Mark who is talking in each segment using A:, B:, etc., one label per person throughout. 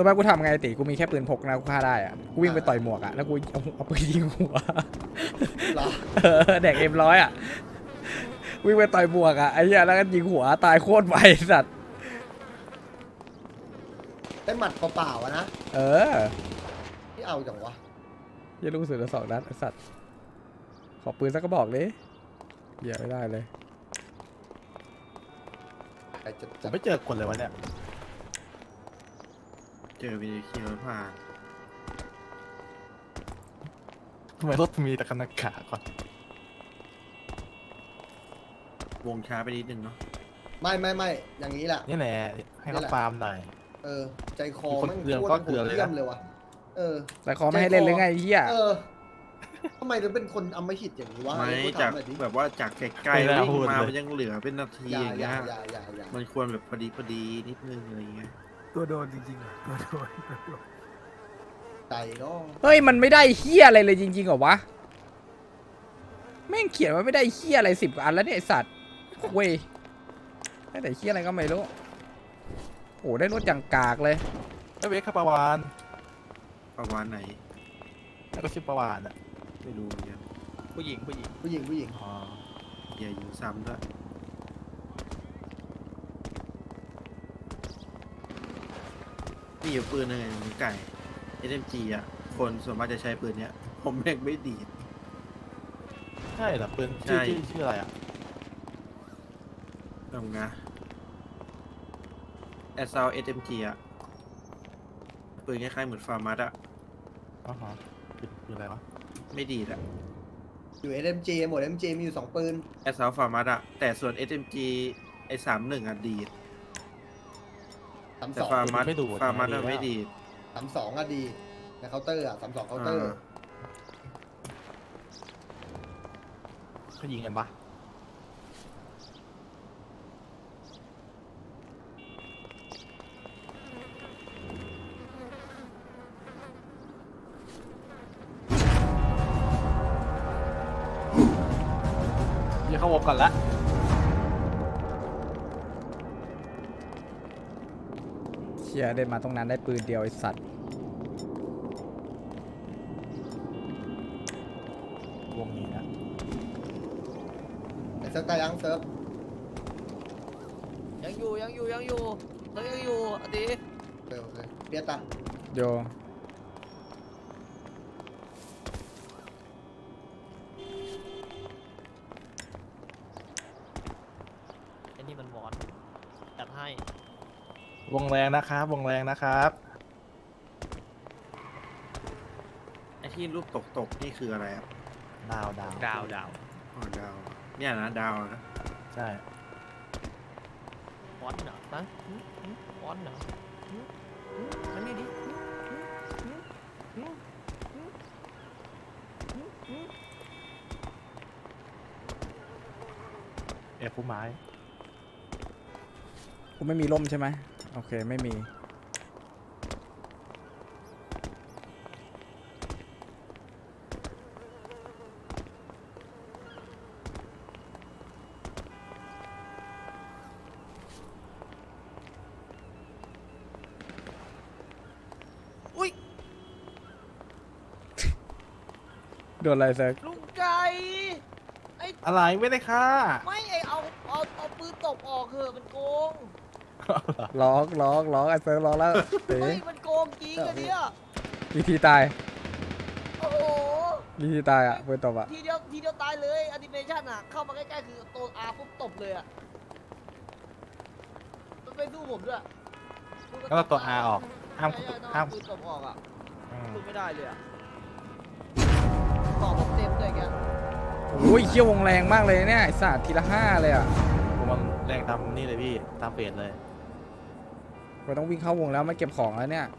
A: ตัวแม่กูทำไงติกูมีแค่ปืนพกนะกูฆ่าได้อะกูวิ่งไปต่อยหมวกอะแล้วกูเอาปืนยิงหัว
B: เหรอ
A: แดกM100อะวิ่งไปต่อยหมวกอะไอ้เหี้ยแล้วก็ยิงหัวตายโคตรไวสัตว์
B: ได้หมัดเปล่าๆอะนะ
A: เออ
B: ที่เอาจังวะ
A: ยี่ลูกสุดละ2 นัดไอ้สัตว์ขอปืนสักกระบอกเลยเหี้ยไม่ได้เลย
B: ใครจะ
C: ผ
B: จั
C: ม
B: บ
C: ไม่เจอคนเลยวะเนี่ย
D: เจอวีดีคิวผ่าน
C: ทำไมรถมีแต่คันนากาก่อน
D: วงช้าไปนิดนึงเนาะ
B: ไม่อย่างนี้แหละ
C: นี่แหละให้เขาฟาร์มหน่อย
B: เออ ใจคอ
C: คน
B: แม่ง
C: เกลือ
B: โคต
C: ก็
B: ร
C: เกลือเลยนะ
B: เยี่ยมเลยวะเออ
A: แต่ขอไม่ให้เล่นหรือไงไอ้เหี้ย
B: เออทำไมถึงเป็นคนอำมหิตอย่างนี้วะ
D: ไม่
B: พูด
D: จาก
B: ถหน่อยดิ
D: แบบว่าจากไกลๆวิ่งมามันยังเหลือเป็นนาที
B: อย่า
D: อย่าง
B: อ
D: เงี้
B: ย่าย อย่า
D: มันควรแบบพอดีนิดนึงอะไรเงี้ย
E: ตัวโดนจริงๆเหรอตัวโดน
B: ใจก็
A: เฮ้ยมันไม่ได้เหี้ยอะไรเลยจริงๆเหรอวะแม่งเขียนว่าไม่ได้เหี้ยอะไร10 กว่าอันแล้วเนี่ยไอ้สัตว์เว้ยได้แต่เหี้ยอะไรก็ไม่รู้โอ้ได้รถอย่างกากเลย
C: ไม่เวกครับประวาน
D: ประมาณไหน
C: แล้วก็ชื่อประวานอ่ะ
D: ไม่รู้เหมือนกัน
C: ผู้หญิง
B: ผู้หญิง
C: อ๋อ
D: อย่าอยู่ซ้ำด้วยมีอยู่ปืนหนึ่งมันไก่ SMG อ่ะ คนส่วนมากจะใช้ปืนเนี้ย ผมแม่งไม่ดีด
C: ใช่เหรอปืน
D: ใช่
C: ชื่ออะไรอ่ะ
D: ตรงนะแอสซาว SMG อ่ะ ปืนคล้ายๆเหมือนฟาร์มัสอ่ะ
C: อ๋อฮะปืนอะไรวะ
D: ไม่ดีดอ่ะ
B: อยู่ SMG หมด SMG มีอยู่2ปืน
D: แอสซาวฟาร์มัสอ่ะ แต่ส่วน SMG ไอ้31อ่ะดีด แต่
B: 32
D: ฟาร์มัส
C: ไม่ดูด
D: ฟาร์มัส
C: ดี
D: อะ
C: แล้ว
D: ไม่ดีด
B: 32อะดีในเคาน์เตอร์อะ32เคาน์เตอร์
C: เขายิงกันปะอย่าเข้าวงก่อนละ
A: เชี่ยได้มาตรงนั้นได้ปืนเดียวไอ้สัตว์
C: วงนี้นะ
B: ไอ้เซิร์ฟตายยังเซิร์ฟ
F: ยังอยู่แล้วยังอยู่อดี
B: โอเคเปียตา
A: โย
F: ไอ้นี่มันหวอนจัดให้
C: วงแรงนะครับวงแรงนะครับ
D: ไอ้ที่รูปตกนี่คืออะไรอ่ะ
C: ดาว
D: อ๋อดาว เนี่ยนะดาวนะ
C: ใช่
F: หวอนเหรอฮะหวอนเหรออันนี้ดิ
C: ผู้ไม้
A: กูไม่มีร่มใช่ไหมโอเคไม่มีโดนอะไรเซิร์ก
F: ลุงไก่
C: อะไรไม่ได้ค่ะ
F: ไม่เอาปืนตบออกเถอะมันโกง
A: ร้องไอ้เซิร์กร้องแล้วเต๋
F: ไม่มันโกงจริงอันเนี้ย
A: วิธีตาย
F: โอ้โห
A: วิธีตายอ่ะปืนตบอ่ะ
F: ทีเดียวตายเลยแอนิเมชันอ่ะเข้ามาใกล้ๆคือตัวอาปุ๊บตบเลยอ่ะมันไม่สู้ผมด้วย
C: แล้วเราตัว R ออกห้าม
F: ใช่ต้อง
C: ห้าม
F: เอปืนตบออกอ่ะ
C: อืม
F: สู้ไม่ได้เลยอ่ะต่อผมเต็มเลยแก
A: โอ้ยเขี้ยววงแรงมากเลยเนี่ยไอ้สัตว์ทีละ5เลยอ่ะ
C: ผมมันแรงตามนี่เลยพี่ตามเฟสเลย
A: เราต้องวิ่งเข้าวงแล้วมาเก็บของแล้วเนี่ย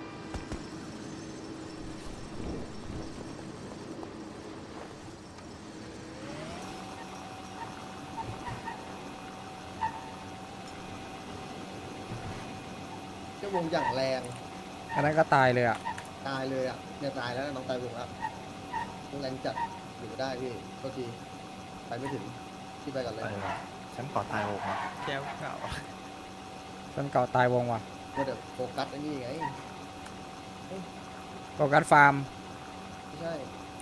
B: เจ้าวงอย่างแรง
A: อันนั้นก็ตายเลยอ่ะ
B: ตายเลยอะเนี่ยตายแล้วน้องตายวงแล้ววงแรงจัดอยู่ได้พี่โทษทีไปไม่ถึงที่ไปก่อนเลย
C: อะไรวะฉันก่อตายวงอ่ะ
F: แชมป์เก่า
A: จนเก่าตายวงว่ะ
B: ว่าเดี๋ยวโฟกัสไอ้นี่ไง
A: ก่อการฟาร์ม
B: ไม่ใช่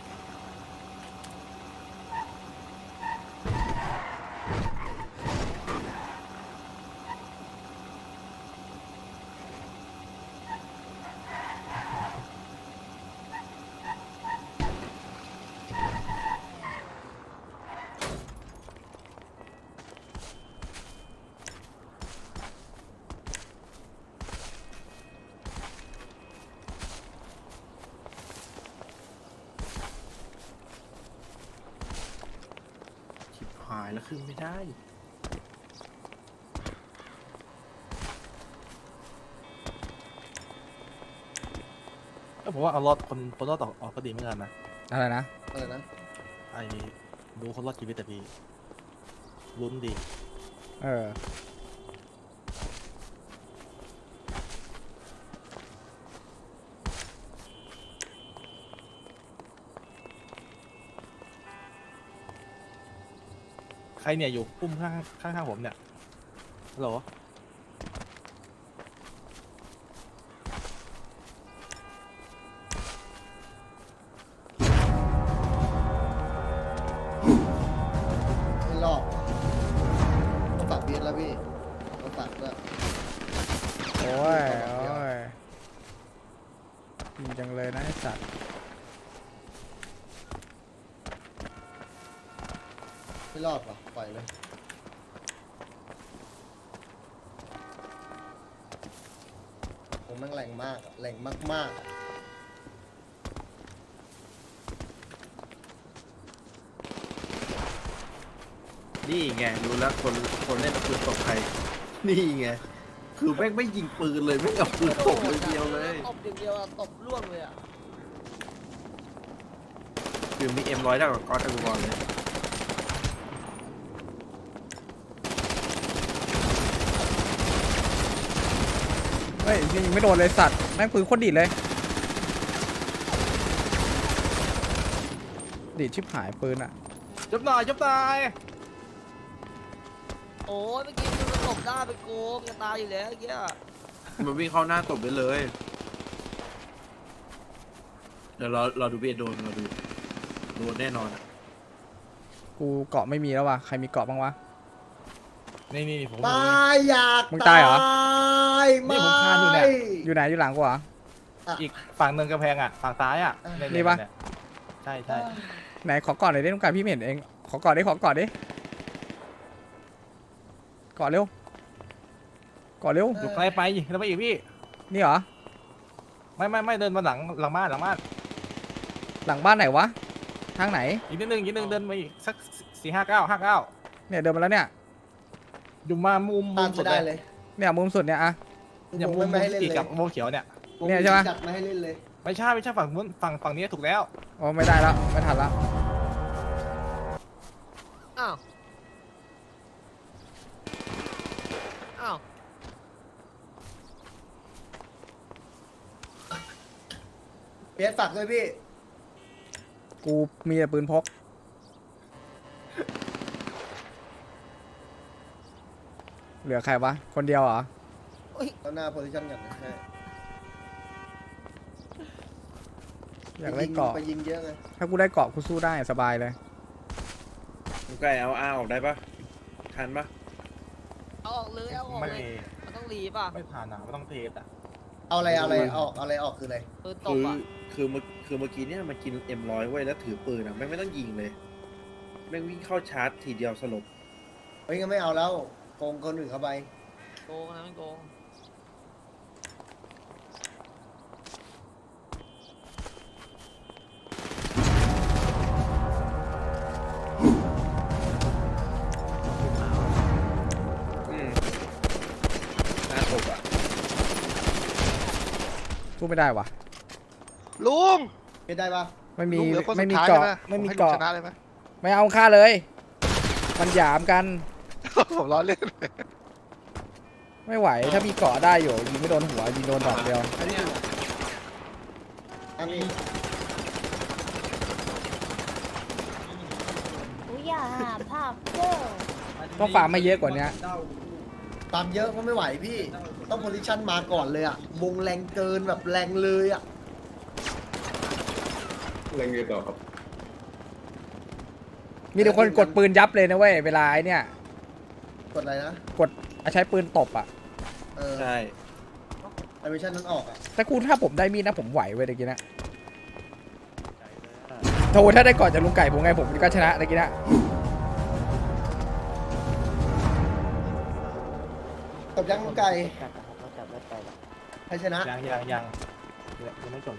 D: ชิบหายแล้วขึ้นไม่ได้
C: ก็ผมว่าเอารอดคนรอดออกก็ดีเหมือนกันนะ
A: อะไรนะ
B: อะไรนะ
C: ไอ้ดูคนรอดชีวิตแต่พี่ลุ้นดี
A: เออ
C: ใครเนี่ยอยู่ปุ้มข้างผมเนี่ยฮัลโหล
B: ไม่รอบต้องฝากเบียดแล้วพี่ต้องฝากด้วย
A: โอ้ยโอ้ยดีจังเลยนะไอ้สัตว์
B: ไม่รอดหรอปล่อยเลยผมแม่งแรงมากอะแรงมากๆอะ
D: นี่ไงรู้แล้วคนเล่นเอาปืนตบใคร นี่ไง คือแม่งไม่ยิงปืนเลยไม่งเอาปืนตบเลยเดียวเลย
F: ตบอย่างเดียวอะตบล่วงเลยอะ
D: คือมีM100ได้กว่าก๊อตอัลกอรเลย
A: เฮ้ยยิงไม่โดนเลยสัตว์แม่งปืนโคตรดีดเลยดีดชิบหายปืนอ่ะ
C: จบหน่อยจบหน่อย
F: โอ้ยเมื่อกี้มันตบหน้าไปโกงจะตายอยู่แล้วเมื่อกี้อะ
D: มันวิ่งเข้าหน้าตบไปเลย เดี๋ยวเราดูเบียดโดนเราดูโดนแน่นอนอะ
A: กูเกาะไม่มีแล้ววะใครมีเกาะบ้างวะ
C: นี่ผม
B: ตายอยาก
A: มึงตายเหรอ
C: นี่ผมคานอยู่เนี่ย
A: อยู่ไหนอยู่หลังกูเหรอ
C: อีกฝั่งหนึ่งกำแพงอ่ะฝั่งซ้ายอ่ะเย
A: นี่ปะ
C: เนี่ยใช่ใช่
A: ไหนขอเกาะหน่อยได้ต้องการพี่ไม่เห็นเองขอเกาะดิขอเกาะดิเกาะเร็วเกาะเร็ว
C: อยู่ไกลไปแล้วไปอีกพี่
A: นี่เหรอ
C: ไม่เดินมาหลังบ้าน
A: หลังบ้านไหนวะทางไหน
C: อีกนิดนึงเดินมาอีกสัก459
A: เนี่ยเดินมาแล้วเนี่ย
C: อยู่มามุม
B: ตาม
C: สุ
B: ไม่
C: ด
B: ได้
C: เล
B: เลย ย
A: เนี่ยมุมสุดเนี่ยอะ
C: เนี่ยมุม
B: ไม่ให้เล่น
C: ติด
B: เลย
C: กับมุมเขียวเนี่ย
A: เนี่ยใช่ปะ
B: จัดไม่ให้เล่นเลย
C: ไม่ใช่ฝั่งนู้นฝั่งนี้ถูกแล้ว
A: โอ้ไม่ได้แล้วไม่ทันแล้ว
F: อ้าวอ้าว
B: เบียดฝากด้วยพี่
A: กูมีแต่ปืนพกเหลือใครวะคนเดียวเหรอ
B: เอาหน้าโพซิชั่นกันนะใช่
A: อยากได้เกาะ
B: ไปยิงเยอะไง
A: ถ้ากูได้เกาะกูสู้ได้สบายเลย
D: ไก่เอาอาออกได้ปะทันปะ
F: เอาออกเลยเอาออก
C: ไม่
F: เลยมันต้องรีบอ่ะ
C: ไม่ผ่านอ่ะไม่ต้องเทสอ่ะ
B: เอาอะไรออกอะไรออกคืออะไร
F: ปืนต
D: คื
F: บ
D: อ
F: อ่ะ
D: คือเมื่อกี้เนี่ยมันกิน M100 ไว้แล้วถือปืนอ่ะไม่ต้องยิงเลยแม่งวิ่งเข้าชาร์จทีเดียวสลบ
B: เฮ้ยงั้นไม่เอาแล้วโกงคนอื่นเข้าไป
F: โกงนะมันโกง
D: หน้าตบอ่ะ
A: สู้ไม่ได้วะ
G: ลุง
B: ไม่ได้ปะ
A: ไม่มี
G: ลุงเหลือคนสุ
A: ไม่
G: ด
A: มี
G: ท้าย
A: เกาะ
G: ใช่ไหม
A: ไม่มี
G: ผให้ลุง
A: เกาะ
G: ชนะเลยไหม
A: ไม่เอาค่าเลย มันหยามกัน
G: ผมล้อเล่น
A: ไม่ไหวถ้ามีเกาะได้อยู่ยิงไม่โดนหัวยิงโดนดอกเดียว
B: อันนี้อันนี้
H: 不要害怕热。
A: ต้องฟาร์มไม่เยอะกว่านี้
B: ตามเยอะก็ไม่ไหวพี่ ต้องโพซิชั่นมาก่อนเลยอะวงแรงเกินแบบแรงเลยอะ
I: แล้วไงต่อครับ
A: มีแต่คนกดปืนยับเลยนะเว้ยเวลาไอ้เนี่ย
B: กดอะไรนะ
A: กดใช้ปืนตบอ่ะ
B: เออ
D: ใช่
B: แอนิเมชันนั้นออกอ่ะ
A: แต่กูถ้าผมได้มีดนะผมไหวเว้ยตะกี้นะโธ่ถ้าได้ก่อนจากลุงไก่ผมไงผมก็ชนะตะกี้นะ
B: ตบยังลูกไก่ใครชนะ
C: ยังไม่จบ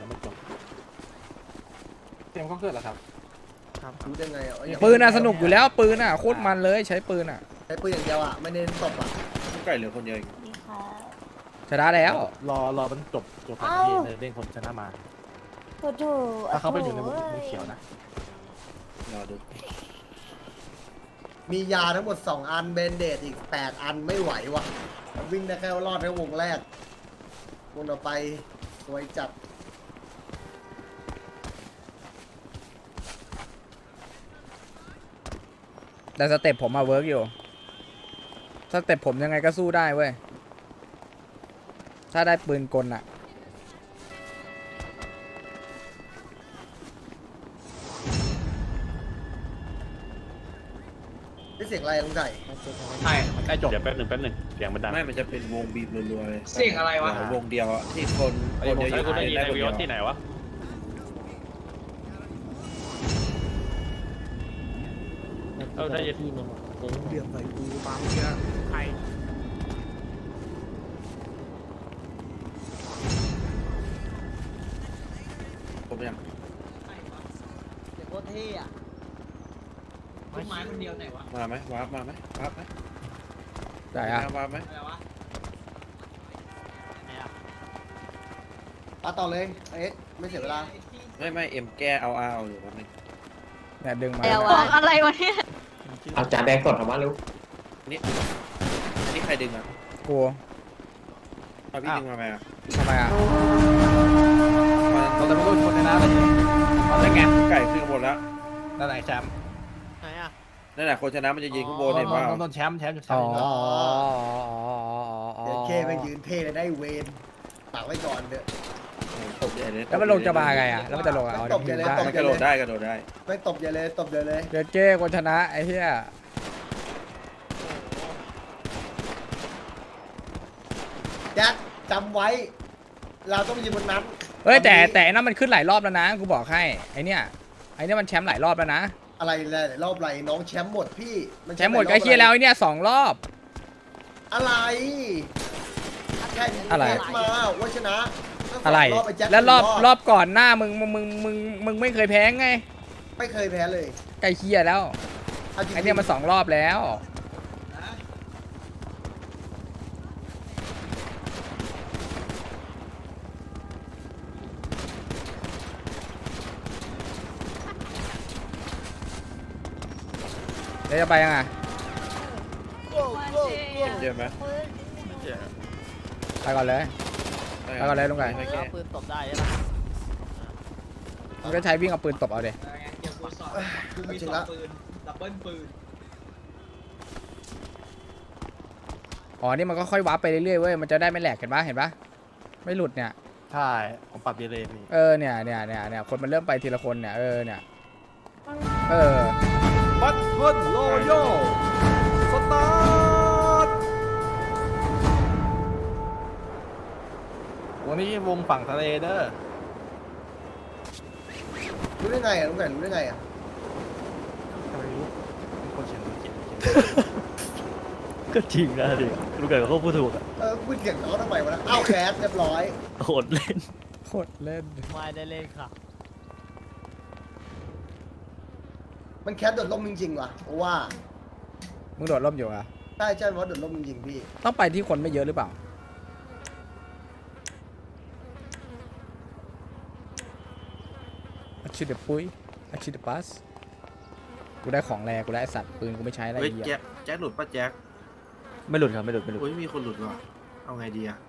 C: เตรียมก็เกิดแล้วครับ
B: รู้ได้ไงอ่ะ
A: ปืนอ่ะสนุกอยู่แล้วปืนอ่ะโคตรมันเลยใช้ปืนอ่ะ
B: ใช้ปืนอย่างเดียวอ่ะไม่เน้นตบอ่ะ
D: ลูกไก่เหลือคนเดียวเอง
H: นี่ค่ะ
A: ชนะแล้ว
C: รอมันจบก่อนที่เด้งคนชนะมา
H: โอ้โห
C: ถ้าเขาไปอยู่ในมุมเขียวนะ
D: รอดู
B: มียาทั้งหมด2อันเบนเดตอีก8อันไม่ไหวว่ะวิ่งได้แค่รอดแค่วงแรกวงต่อไปสวยจัด
A: แต่สเต็ปผมมาเวิร์กอยู่สเต็ปผมยังไงก็สู้ได้เว้ยถ้าได้ปืนกลอ่ะ
B: ได้เสียงอะไรลุงไก่
C: ใกล้จบเดี๋ยวแป๊บหนึ่งเสียงมันดัง
D: ไม่มันจะเป็นวงบีบรัวๆเลย
F: เสียงอะไรวะ
D: วงเดียวอะที่คนเยอะๆได้คนเดียว
C: ที่ไหนวะ ได้ยิน
E: เดือดใส่กูบางเชื่อใคร
D: ผมยัง
F: เดี๋ยวโคตรเท่อะต้นไม้คนเดียวไหนวะ
D: มาไหมวาร์ปมาไหมวาร์ปไหม
A: ได้อ่ะ
D: วาร์ปไหม
F: อะไรวะ
B: ต่อเลยเอ๊ะไม่เสียเวลา
D: ไม่เอ็มแก้เอาอยู่วันนึง
A: เนี่ยดึงมา
H: บอกอะไรวะเนี่ย
I: เอาจานแดงสดออกมาลูก
D: นี่ใครดึงอ่ะ
A: กู
D: เอาพี่ดึงมาไหมอ่ะ
A: ทำไมอ่ะ
C: เราจะไม่รู้คนในน้ำเลยได้ไง
D: ไก่ขึ้นข้างบนแล้ว
C: นั่นไหนแชมป์
F: ไหนอะ
D: นั่นแหละคนชนะมันจะยืนข้างบนเห็นเปล่า
C: โดนแชมป์อยู่แช
A: อ๋
C: ม
A: อ
C: ป์
B: เดี๋ยวเคไปยืนเท่เลยได้เวนฝากไว้ก่อนเด้อ
D: ตบใหญ่เลย
A: แล้วมันลงจะมาไงอ่ะแล้วมันจะลงอ่ะเอา
B: ตบใหญ่เลย
A: ได้
D: มันกระโดดได้
B: ไม่ตบอย่าเลยตบอย่าเลย
A: เดี๋ยวเจ้คนชนะไอ้เหี้ย
B: แจ็คจำไว้ เราต้องยืนบนนั้น
A: เฮ้ยแต่
B: วันนี้
A: แต่นั่นมันขึ้นหลายรอบแล้วนะกูบอกให้ไอ้เนี่ยมันแชมป์หลายรอบแล้วนะ
B: อะไรหลายรอบไรน้องแชมป์หมดพี่น
A: แชมป์หมดก็เคียแล้วไอ้เนี่ย2 รอบ
B: อะไรแค่
A: อะไร
B: มาว่าชนะตั้งสง
A: อะไร
B: บไแจ็ค
A: แล้วรอบ
B: สี่
A: รอบก่อนหน้ามึงไม่เคยแพ้ไง
B: ไม่เคยแพ้เลย
A: ไก่เคียแล้ว
B: เอาจริงๆ
A: ไอ้เนี่ยมัน2 รอบแล้วเดี๋ยวจะไปยังไง
D: เจอไหม
A: ไปก่อนเลย ไปก่อนเลยลุงไก่
D: ไม่แก้
F: เอาปืนตบได้ใช่ปะ
A: มึงก็ใช้วิ่งเอาปืนตบเอาเด็
F: เดี๋ยวกูสอนกูมี
B: จริง
F: 2
B: ละ
F: ปืนดับเบิลปืน
A: อ๋อนี่มันก็ค่อยวาร์ปไปเรื่อยๆเว้ยมันจะได้ไม่แหลกเห็นปะไม่หลุดเนี่ย
C: ใช่ผมปรับดีเลยพี่
A: เนี่ยคนมันเริ่มไปทีละคนเนี่ยเนี่ย
D: บัตเทิลโลโย่สตาร์ท
C: วันนี้วงฝั่งทะเลเด้อ
B: รู้ได้ไงอ่ะลุงไก่รู้ได้ไงอ่ะ
C: ทำไมรู้มีคนเขียน
J: ก็จริงนะดิลูกไก่เขาพูดถูกอะ
B: พูดเสียงเขาทำไมวะนะอ้าวแคสเรียบร้อย
J: โหดเล่น
A: โคตรเล่น
F: ไม่ได้เล่นค่ะ
B: มันแคสโดดล่มจริงๆว่ะเพราะว่า
A: มึงโดดร่มอยู่อะ
B: ใช่เพราะโดดล่มจริงๆพี่
A: ต้องไปที่คนไม่เยอะหรือเปล่าอาชิเดปุ้ยอาชิเดปัสกูได้ของแรงกูได้ไอ้สัตว์ปืนกูไม่ใช้อะไร
D: เฮ้ย
A: เหี้ย
D: แจ็คหลุดป่ะแจ็ค
J: ไม่หลุดครับไม่หลุด
D: โอ้ยมีคนหลุดว่ะเอาไงดีอ่ะ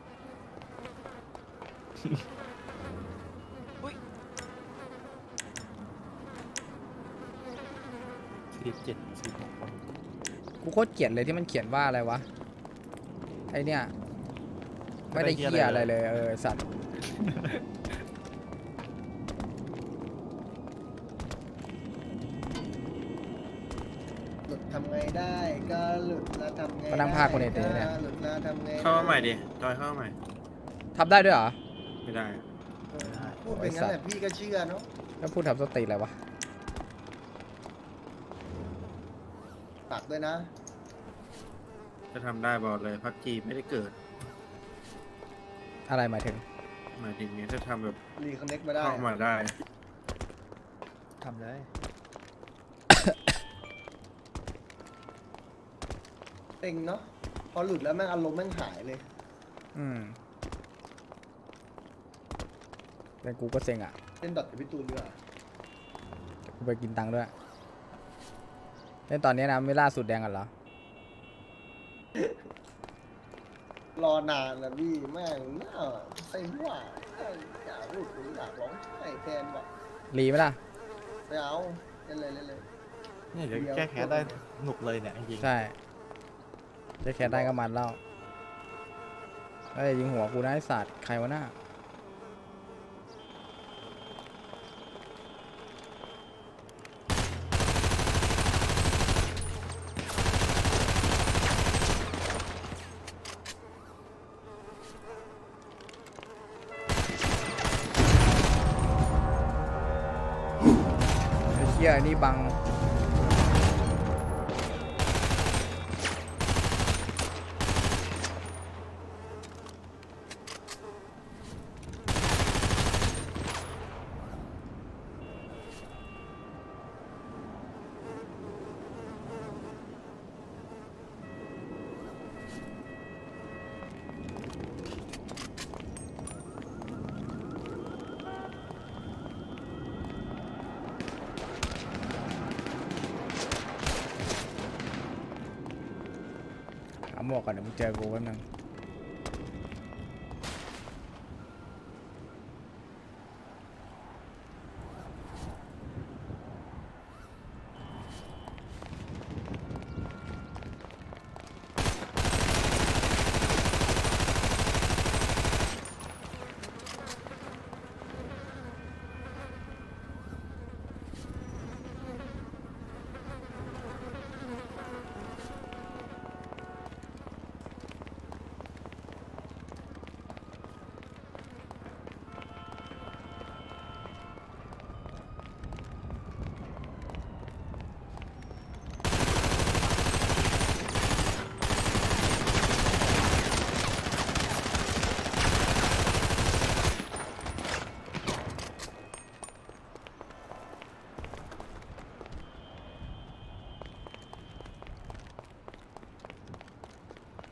C: 47 46คน
A: กูโคตรเกลียดเลยที่มันเขียนว่าอะไรวะไอเนี่ยไม่ได้เหี้ยอะไรเลยสัตว์
B: ทำไงได้ก็หลุดแล้วทำไง
A: มานั่งพากคนเอเตเนี่ย
B: หลุดแล้วทำไง
D: เข้ามาใหม่ดิจอยเข้ามาใหม่
A: ทำได้ด้วยเหรอ
D: ไม่ได้
B: พูดเป็นงั้นแหละพี่ก็เชื่อเนาะ
A: แล้วพูดทำสติอะไรวะ
B: ฝากด้วยนะ
D: จะทำได้บอกเลยพักจีไม่ได้เกิด
A: อะไรหมายถึง
D: หมายถึงเนี้ยจะทำแบบ
B: รีคอนเน็กมาได้
D: เข้ามาได้
J: ทำเลย
B: เต็งเนาะพอหลุดแล้วแม่งอารมณ์แม่งหายเลย
A: อืมแต่กูก็เซ็งอ่ะ
B: เล่นดอทกับพี่ตูนดีกว่า
A: กูไปกินตังค์ด้วย เล่นตอนนี้นะไม่ล่าสุดแดงกันเหรอ
B: รอนานนะพี่แม่งน่าใส่หัวอยากพูดกูอยากร้องไห้แทนว่ะ
A: รีไหมล่ะ
B: ไม่เอาเล่นเลยเล่นเลย
C: เนี่ยเดี๋ยวแก้แค้นได้หนุกเลยเนี่ยจริงๆ
A: ใช่จะแค่ได้ก็มันแล้วเฮ้ยยิงหัวกูนะไอ้สัตว์ใครวะหน้าไอ้เหี้ยนี่บัง หาหมวกก่อนเดี๋ยวมึงเจอกูแป๊บนึง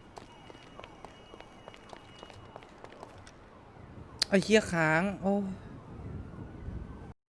A: ไอ้เหี้ยค้าง โอ้